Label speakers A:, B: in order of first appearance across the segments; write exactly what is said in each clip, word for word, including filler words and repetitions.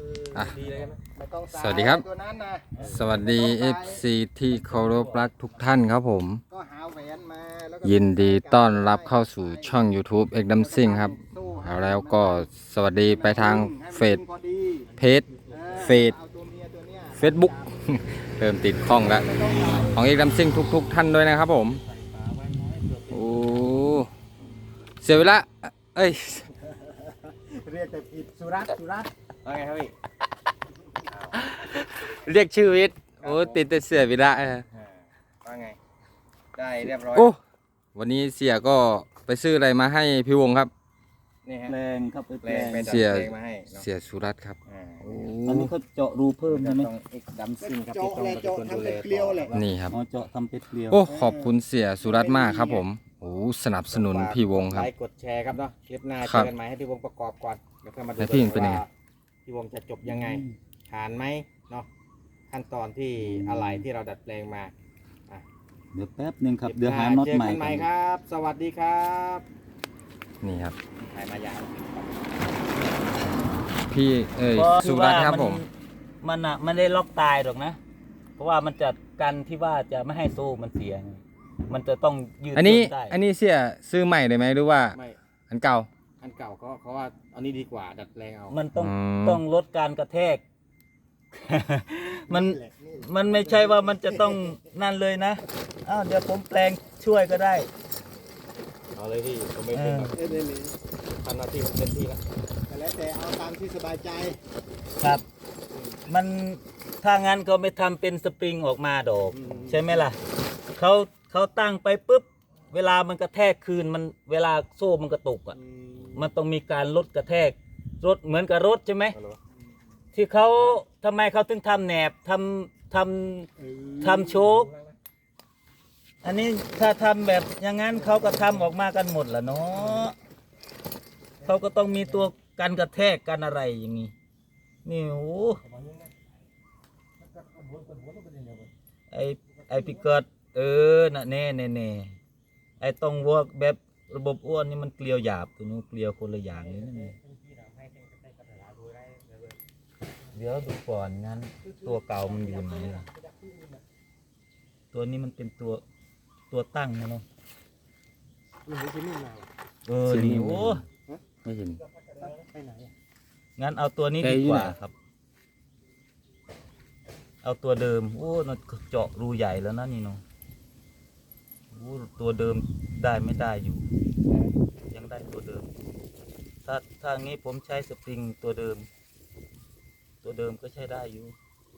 A: อ่ะ
B: ดีเลยไหมไม่ต้อง
A: สวัสดีครับ
B: ตัวนั้นนะ
A: สวัสดี เอฟ ซี ที่เคารพรักทุกท่านครับผม
B: ก็หาแหวนมาแล้วก็
A: ยินดีต้อนรับเข้าสู่ช่อง YouTube เอ็กดัมซิงครับ แล้วก็สวัสดีไปทางเฟซ
B: พอดี
A: เพจ
B: ออ
A: เฟซ
B: อาตัวเมียตัวเนี้ย
A: เฟซบุ๊ก เริ่มติดข้องแล้ว ของเอ็กดัมซิงทุกๆท่านด้วยนะครับผม โอ้เสียเวลาเอ้ย
B: เรียกแต่ผิดสุรัตน์สุรัตน์ว่าไงครับพี่
A: เรียกชื่อวิทย์โอ้ติดแต่เสียเวลาเออ
B: ว่าไงได้เรียบร้อย
A: โอ้วันนี้เสียก็ไปซื้ออะไรมาให้พี่วงครับ
B: นี่ฮะ
C: แปลงครับไป
B: แป
C: แป
B: ล
C: ล
B: ง
C: ง
B: ไปดัด
A: เสีย
B: แปลงมาให้เนาะ
A: เสียสุรัตน์ครับ
B: อ่า
A: โอ้
C: อันนี้เขาเจาะรูเพิ่มใช่ไหม
B: ต้องเอ็กดัมซิ่งครับที่ต้องมาเป็นคนดูแลต่อ
A: นี่ครับ
C: อ๋อเจาะทำเป็ดเกลียว
A: โอ้ขอบคุณเสียสุรัตน์มากครับผมโอ้สนับสนุนพี่วงครับ
B: ไลค์กดแชร์ครับเนาะคลิปหน้า
A: ครั
B: เจ
A: บ
B: อกันใหม่ให้พี่วงประกอบก่อนแล้วก็มาดู
A: แล้วพี่
B: กั
A: เป็นยังไง
B: ว่าพี่วงจะจบยังไงผ่านไหมเนาะขั้นตอนที่อะไรที่เราดัดแปลงมา
C: เดี๋ยวแป๊บหนึ่งครับ
B: คลิป
C: เดี๋ยวหา
B: น้
C: น็อต
B: เจอ
C: ใหม่
B: กันใหม่
C: ก่อน
B: ครับ สวัสดีครับ
A: นี่ครับ
B: ถ่ายมายาว
A: พี่เอ้ย
C: ก็
A: สุ
C: คือ
A: รั
C: ว่า
A: ตน์ครับ
C: มัน
A: ผม
C: มันอ่ะไม่ได้ล็อกตายหรอกนะ เพราะว่ามันจะกันที่ว่าจะไม่ให้โซ่มันเสียไงมันจะต้องยืด
A: อันนี้
C: หยุ่ได้
A: อันนี้เสียซื้อใหม่เลยไหมหรือว่า
B: ไม่
A: อันเก่า
B: อันเก่าก็เขาว่าอันนี้ดีกว่าดัดแปลงเอา
C: มันต้อง
A: อืม
C: ต้องลดการกระแทก มันมันไม่ใช่ว่ามันจะต้องนั่นเลยนะอ้าวเดี๋ยวผมแปลงช่วยก็ได้
B: เอาเลยพี่ผมไม่เป็นหรอก
C: เออ
B: เอ้ยเลยทำหน้าที่ผมเต็มที่แล้วแต่แล้วแต่เอาตามที่สบายใจ
C: ครับ มันถ้างั้นเขาไม่ทำเป็นสปริงออกมาดอก
B: อืม
C: ใช่ไหมล่ะเขาเขาตั้งไปปุ๊บ เวลามันกระแทกคืนมันเวลาโซ่มันกระตุกอ่ะ
B: อืม
C: มันต้องมีการลดกระแทกรถเหมือนกับรถใช่ไหม
B: เอาเหรอ
C: ที่เขาทำไมเขาถึงทำแหนบทำทำทำโชคอันนี้ถ้าทำแบบอย่างนั้นเขาก็ทำออกมากันหมดแหละเนาะเขาก็ต้องมีตัวกันกระแทกกันอะไรอย่างนี้นี่โอ้ไอไอพิกัดเออน่ะแน่แน่แน่ไอต้องวอกแบบระบบอ้วนนี่มันเกลียวหยาบตัวนู้นเกลียวคนละอย่างเลยนะเนี่ยเดี๋ยวดูก่อนงั้นตัวเก่ามันอยู่ไหนล่ะตัวนี้มันเป็นตัวตัวตั้งนะเนาะ
B: มันไม่ใช่นิ่มมาหรอ
C: เออนี่โอ้
A: ไม่เห็น
B: ไปไหนอะ
C: งั้นเอาตัวนี้
A: แก
C: ดี
A: อยู่
C: ก
A: ไหน
C: ว่าครับ เอาตัวเดิม โอ้น่าเจาะรูใหญ่แล้วนะนี่เนาะโอ้ตัวเดิมได้ไม่ได้อยู่ ยังได้ตัวเดิม ถ้าทางนี้ผมใช้สปริงตัวเดิม ตัวเดิมก็ใช้ได้อยู่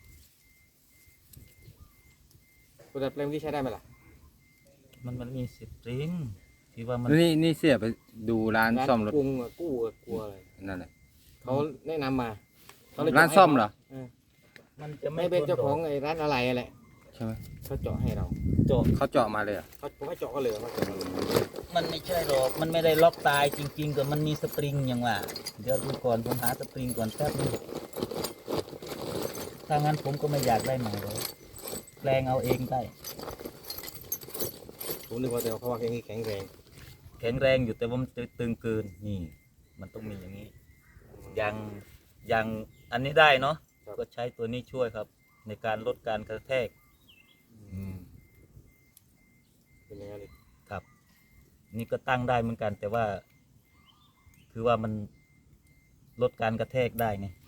B: ตัวดัดแปลงที่ใช้ได้ไหมล่ะ
C: มันมันมีสปริงที่ว่ามัน
A: นี่นี่เสียไปดูร้านซ่อมรถ
B: กรุงอะกู้อะกลัวอะไร
A: นั่นแหละ
B: เขาแนะนำมาเขาเลย
A: ร้านซ่อมเหรอ
B: เออ
C: มันจะไม่
B: ไม่เป็น
C: ทน
B: เจ้าของ
C: ดก
B: ไอ้ร้านอะไรแหละ
A: ใช่ไหม
B: เขาเจาะให้เรา
C: เจาะ
A: เขาเจาะมาเลยเหรอ่ะ
B: เขาผมให้เจาะก็เลยเขาเจาะมาเลย
C: มันไม่ใช่หรอก มันไม่ได้ล็อกตายจริงๆก็มันมีสปริงอย่างว่า เดี๋ยวดูก่อนผมหาสปริงก่อนแป๊บนึงถ้างั้นผมก็ไม่อยากได้ใหม่เลยแปลงเอาเองได้
B: ผมนึกว่าแต่เขาว่าแค่นี้แข็งแรง
C: แข็งแรงอยู่แต่ว่ามันตึงเกิน นี่ มันต้องมีอย่างนี้ ยังยังอันนี้ได้เนาะ ก็ใช้ตัวนี้ช่วยครับ ในการลดการกระแทก
A: อืม
B: เป็นยังไงเลย
C: ครับ นี่ก็ตั้งได้เหมือนกัน แต่ว่า คือว่ามันลดการกระแทกได้ไง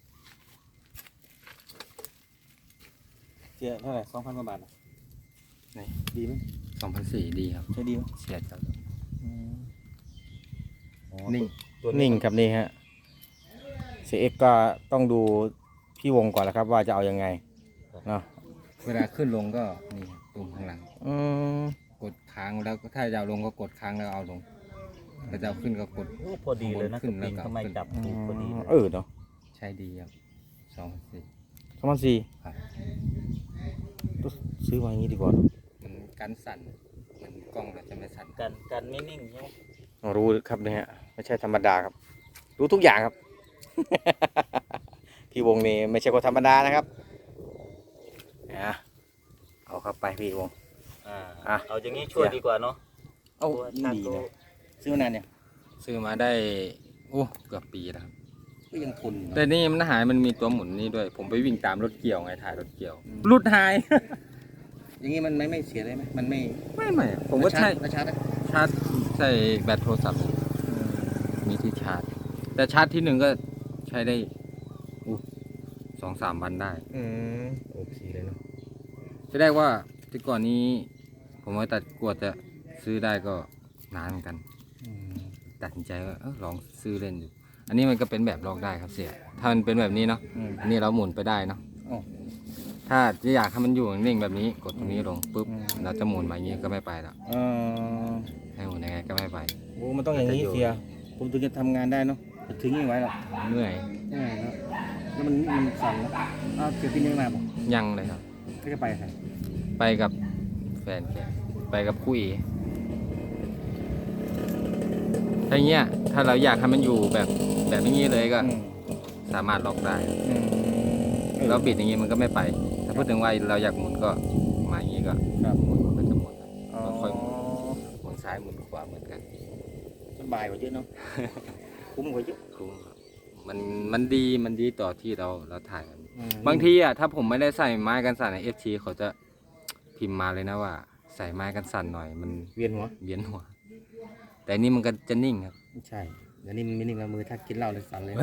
B: เสียเท่าไหร่สองพันกว่าบาท
A: ไหน
B: ดีไหม
A: สองพันสี่ดีครับ
B: ใช่ดีไหม
A: เสียจัง
C: อืมอ๋อ
A: นิ่ง
C: ตัวนี้
A: นิ่งครับนี่ฮะเสียเอกก็ต้องดูพี่วงก่อนแล้วครับ ว่าจะเอายังไงเนาะเวลาขึ้นลงก็นี่ตุ่มข้างหลังอืม
B: กดค้างแล้วก็ถ้าจะเอาลงก็กดค้างแล้วเอาลงถ้าจะเอาขึ้นก็กด
C: โอ้พอดีเลยนะ
B: ขึ้
C: ส
B: น
C: ปริง
B: แล้วก็
C: ทำไมจับถูกพอดีเลย
A: เออเนาะ
B: ใช้ดีครับสองพันสี่
A: สองพันสี่
B: ครับ
A: ซื้อมาอย่างนี้ดีกว่า
B: มันกันสั่นมันกล้องเราจะไม่สั่น
C: กันกันไม่นิ่งใช่ไหม
A: รู้ครับเนี่ยไม่ใช่ธรรมดาครับ รู้ทุกอย่างครับ พี่วงนี่ไม่ใช่คนธรรมดานะครับนะเอาเข้าไปพี่วง
C: อ่า
A: อ่ะ
C: เอาอย่างนี้ช่วยดีกว่าเนาะ
A: เอ้า
C: ตัว
A: ยิ่งดีนะซื้อมานานเนี่ยซื้อมาได้โอ้เกือบปีแล้วครับ
B: ก็ยังทนอยู่
A: แต่
B: นะ
A: นี่มันหายมันมีตัวหมุนนี่ด้วย ผมไปวิ่งตามรถเกี่ยวไงถ่ายรถเกี่ยวหลุดหาย
B: อย่างนี้มันไม่ไม่เสียเลยไหมมันไม่
A: ไม่ไม่ผมก็ใช้
B: แล้วชาร์จแล้ว
A: ชาร์จใส่แบตโทรศัพท์มีที่ชาร์จ แต่ชาร์จที่หนึ่งก็ใช้ได้อู้สองสามวันได้
B: อืมโอเคเลยเนาะ
A: จะได้ว่าที่ก่อนนี้ ผมว่าตัดกวดจะซื้อได้ก็นานเหมือนกัน
B: อืม
A: ตัดสินใจว่าเออลองซื้อเล่นดู อันนี้มันก็เป็นแบบลอกได้ครับเสีย ถ้ามันเป็นแบบนี้เนาะ
B: อืม
A: อันนี้เราหมุนไปได้เนาะ
B: อ๋อ
A: ถ้าจะอยากให้มันอยู่นิ่งๆแบบนี้ กดตรงนี้ลงปุ๊บ
B: อืม
A: เราจะหมุนมาอย่างนี้ก็ไม่ไปแล้ว
B: เออ
A: ให้หมุนยังไงก็ไม่ไป
B: โอ้มันต้องอย่างนี้เสีย ผมถึงจะทำงานได้เนาะจะถึงยังไงหรอก
A: เหนื่อย
B: ใช่ครับแล้วมันมันสั่นนะอ้าวเสียพี่นี่มาบอก
A: ยังเลยครับ
B: ก็จะไปใคร
A: ไปกับแฟนแกไปกับคู่เอถ้าอย่างเงี้ย ถ้าเราอยากให้มันอยู่แบบแบบนี้เลยก็
B: อืม
A: สามารถล็อกได้
B: อืมเออ
A: เราบิดอย่างงี้มันก็ไม่ไป ถ้าพูดถึงว่าเราอยากหมุนก็มาอย่างงี้ก็
B: ครับ
A: หมุนมันก็จะหมุน
B: อ๋อ
A: เราค่อยหมุนหมุนซ้ายหมุนขวาเหมือนกัน
B: สบายกว่าเยอะเนาะ คุ้มกว่าเยอะ
A: คุ้มครับมันมันดีมันดีต่อที่เราเราถ่ายกัน
B: อืม
A: บางทีอ่ะถ้าผมไม่ได้ใส่ไม้กันสั่นในเอฟทีเขาจะพิมพ์มาเลยนะว่า ใส่ไม้กันสั่นหน่อยมัน
B: เวียนหัว
A: เวียนหัว แต่นี่มันก็จะนิ่งครับ
B: ไม่ใช่เดี๋ยวนี้มันไม่นิ่งแล้วมือถ้ากินเหล้าเลยสั่นเลย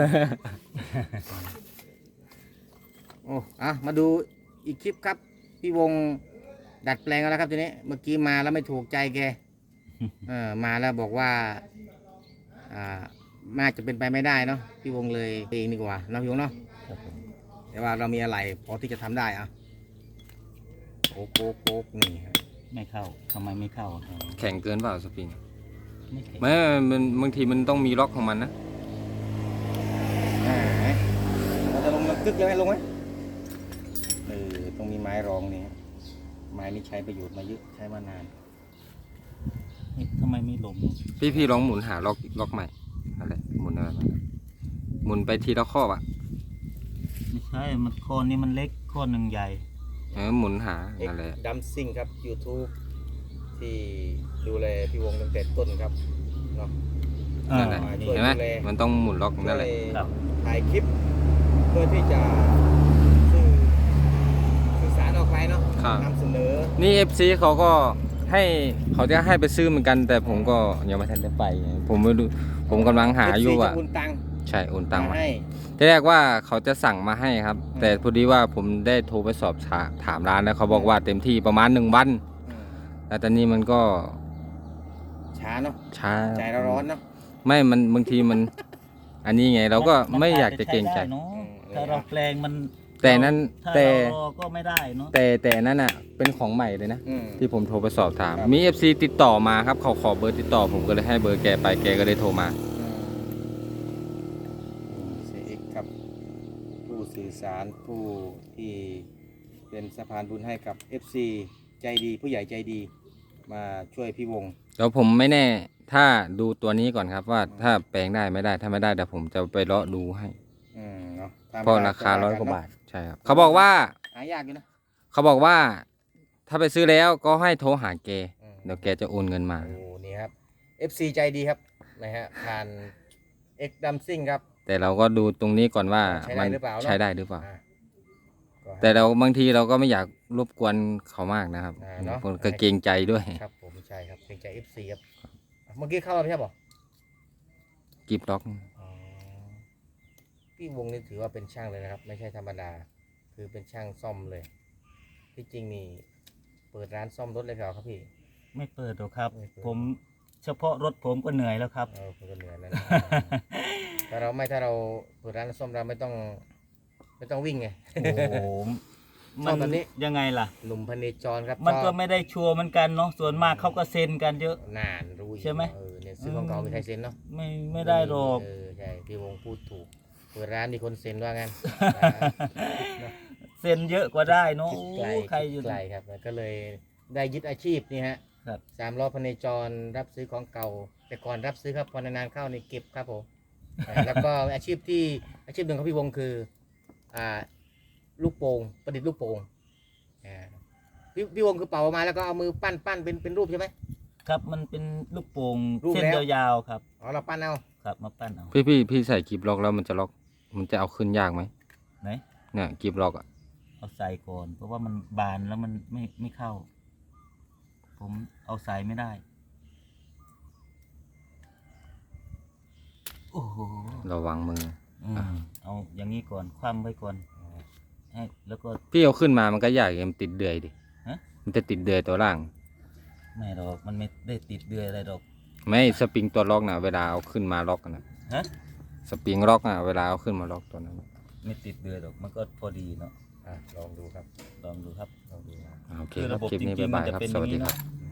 B: โอ้อะมาดูอีกคลิปครับ พี่วงดัดแปลงแล้วครับทีนี้ เมื่อกี้มาแล้วไม่ถูกใจแก เออมาแล้วบอกว่า อ่าน่าจะเป็นไปไม่ได้เนาะ พี่วงเลยเองดีกว่าเนาะพี่วงเนาะ
C: ครับผม
B: แต่ว่าเรามีอะไรพอที่จะทำได้อะโป๊กโป๊กโป๊กนี่ฮะ
C: ไม่เข้าทำไมไม่เข้า
A: แข็งเกินเปล่าสปริง
C: ไม่แข็ง
A: ไม่มันบางทีมันต้องมีล็อกของมันนะ
B: อ่าไหนเราจะลงมันกึกเลยไหมลงไหมเออต้องมีไม้รองนี่ฮะไม้นี่ใช้ประโยชน์มาเยอะใช้มานาน
C: เอ๊ะทำไมไม่ลง
A: พี่พี่ลองหมุนหาล็อกล็อกใหม่อะไรหมุนอะไรมาหมุนไปทีละข้ออ่ะ
C: ไม่ใช่มันโคนนี้มันเล็กโคนหนึ่งใหญ่
A: เออหมุนหานั่นแหละ
B: ดัมซิงครับ YouTube ที่ดูแลพี่วงตั้งแต่ต้นครับเนาะ
A: นั่นแหละ
B: อ่าช่วย
A: เห็นไหม
B: ดูแล
A: มันต้องหมุนล็อกนั่นแหละ
C: ครับ
B: ถ่ายคลิป เพื่อที่จะสื่อสื่อสารออกไปเนาะ
A: ครับ
B: นำเสนอ
A: นี่ เอฟ ซี เขาก็ให้เขาจะให้ไปซื้อเหมือนกัน แต่ผมก็ยังไม่ทันได้ไปไงผมไม่รู้ผมกำลังหาอยู่
B: เฟซี
A: อ่ะ
B: จะโอนตังค์
A: ใช่โอนตังค์มา
B: ให้
A: ที่แรกว่าเขาจะสั่งมาให้ครับ แต่พอดีว่าผมได้โทรไปสอบถาถามร้านแล้วเขาบอกว่าเต็มที่ประมาณหนึ่งวัน
B: อืม
A: แล้วตอนนี้มันก็
B: ช้าเนาะ
A: ช้า
B: ใจเราร้อนเนาะ
A: ไม่มันบางทีมัน อันนี้ไงเราก็
C: น
A: ไม่อยากจะเกรงใจ
C: ใช้ได้เนอะ
B: อืม
C: ถ้าเราแปลงมัน
A: แต่นั้น
C: ถ้า
A: แต่
C: เรารอก็ไม่ได้เนาะ
A: แต่แต่นั้นอ่ะเป็นของใหม่เลยนะ
B: อืม
A: ที่ผมโทรไปสอบถาม
B: ครับ
A: มี เอฟ ซี ติดต่อมาครับเขาขอเบอร์ติดต่อผมก็เลยให้เบอร์แกไปแกก็เลยโทรมา
B: เสียเอกครับ ผู้สื่อสารผู้ที่เป็นสะพานบุญให้กับ เอฟ ซี ใจดีผู้ใหญ่ใจดีมาช่วยพี่วง
A: แล้วผมไม่แน่ถ้าดูตัวนี้ก่อนครับว่าถ้าแปลงได้ไม่ได้ถ้าไม่ได้เดี๋ยวผมจะไปเลาะดูให้
B: อืมเนาะตม
A: เพราะราคาร้อยกว่าบาทใช่ครับเขาบอกว่า
B: หายากอยู่นะ
A: เขาบอกว่า ถ้าไปซื้อแล้วก็ให้โทรหาแก
B: อืม
A: เดี๋ยวแกจะโอนเงินมา
B: โอ้นี่ครับ เอฟ ซี ใจดีครับนะฮะผ่านเอ็กดัมซิงครับ
A: แต่เราก็ดูตรงนี้ก่อนว่า
B: ใช้ได้
A: มัน
B: หรือเปล่าเนอะ
A: ใช้ได้หรือเปล่า
B: อ่าก็ให้
A: แต่เราบางทีเราก็ไม่อยากรบกวนเขามากนะครับ
B: อ่าเนอะ
A: คนก็เกรงใจด้วย
B: ครับผมใช่ครับเป็นใจ เอฟ ซี ครับอ่ะเมื่อกี้เข้าแล้วไม่ใช่ป่ะ
A: กิบล็อก
B: อ๋อพี่วงนี่ถือว่าเป็นช่างเลยนะครับ ไม่ใช่ธรรมดา คือเป็นช่างซ่อมเลย ที่จริงนี่เปิดร้านซ่อมรถเลยเหรอครับพี่
C: ไม่เปิดหรอกครับ
B: ไม่เปิด
C: ผมเฉพาะรถผมก็เหนื่อยแล้วครับ
B: เออผมก็เหนื่อยแล้วนะ ถ้าเราไม่ถ้าเราเปิดร้านซ่อมเราไม่ต้อง ไม่ต้องวิ่งไง
C: โอ้โห
B: ชอบแบบนี้
C: ยังไงล่ะ
B: หนุ่มพเนจรครับ
C: มันก็
B: ชอบ
C: ไม่ได้ชัวร์เหมือนกันเนาะส่วนมากเขาก็เซ็นกันเยอะ
B: นานรู้อยู่
C: ใช่ไหม
B: เออเนี่ยซื้อของเก่ามีใครเซ็นเนาะ
C: ไม่ไม่ได้หรอก
B: เออใช่พี่วงพูดถูกเปิดร้านมีคนเซ็นว่างั้น
C: เซ็นเยอะกว่าได้เนาะ
B: คิดไกล
C: โอ้ใครอ
B: คิ
C: ยู่
B: ดไกลครับก็เลยได้ยึดอาชีพนี่ฮะ
C: ครับ
B: สามล้อพเนจรรับซื้อของเก่า แต่ก่อนรับซื้อครับพอนานๆเข้านี่เก็บครับผมอ่าแล้วก็อาชีพที่อาชีพหนึ่งของพี่วงคืออ่าลูกโป่งประดิษฐ์ลูกโป่งอ่าพี่พี่วงคือเป่าออกมาแล้วก็เอามือปั้นปั้นเป็นเป็นรูปใช่ไหม
C: ครับมันเป็นลูกโป่ง
B: รูป
C: เส้น
B: แล้ว
C: ยาวๆครับ
B: อ๋อเราปั้นเอา
C: ครับมาปั้นเอา
A: พี่พี่พี่ใส่กิบล็อกแล้วมันจะล็อกมันจะเอาขึ้นยากไหม
C: ไหน
A: เนี่ยกิบล็อกอ่ะ
C: เอาใส่ก่อน เพราะว่ามันบานแล้วมันไม่ไม่เข้า ผมเอาใส่ไม่ได้ โอ้โห
A: ระวังมือ
C: อืมเอาอย่างนี้ก่อน คว่ำไว้ก่อนให้แล้วก็
A: พี่เอาขึ้นมามันก็ยากมันติดเดือยดิ
C: ฮะ
A: มันจะติดเดือยตัวล่าง
C: ไม่หรอก มันไม่ได้ติดเดือยอะไรหรอก
A: ไม่สปริงตัวล็อกนะเวลาเอาขึ้นมาล็อกนะ
C: ฮะ
A: สปริงล็อกนะเวลาเอาขึ้นมาล็อกตัวนั้น
C: ไม่ติดเดือยหรอก มันก็พอดีเนาะ
B: อ่ะลองดูครับ
C: ลองดูครับ
B: ลองดูนะ
A: โอเค
C: คือ
A: ครั
C: ระ
A: บ
C: บบ
A: คลิปนี้
C: จริงๆ
A: บ๊ายบาย
C: มันจะ
A: ครับ
C: เป็น
A: สวัสดี
C: อย่างนี้
A: ครับ
C: เนาะ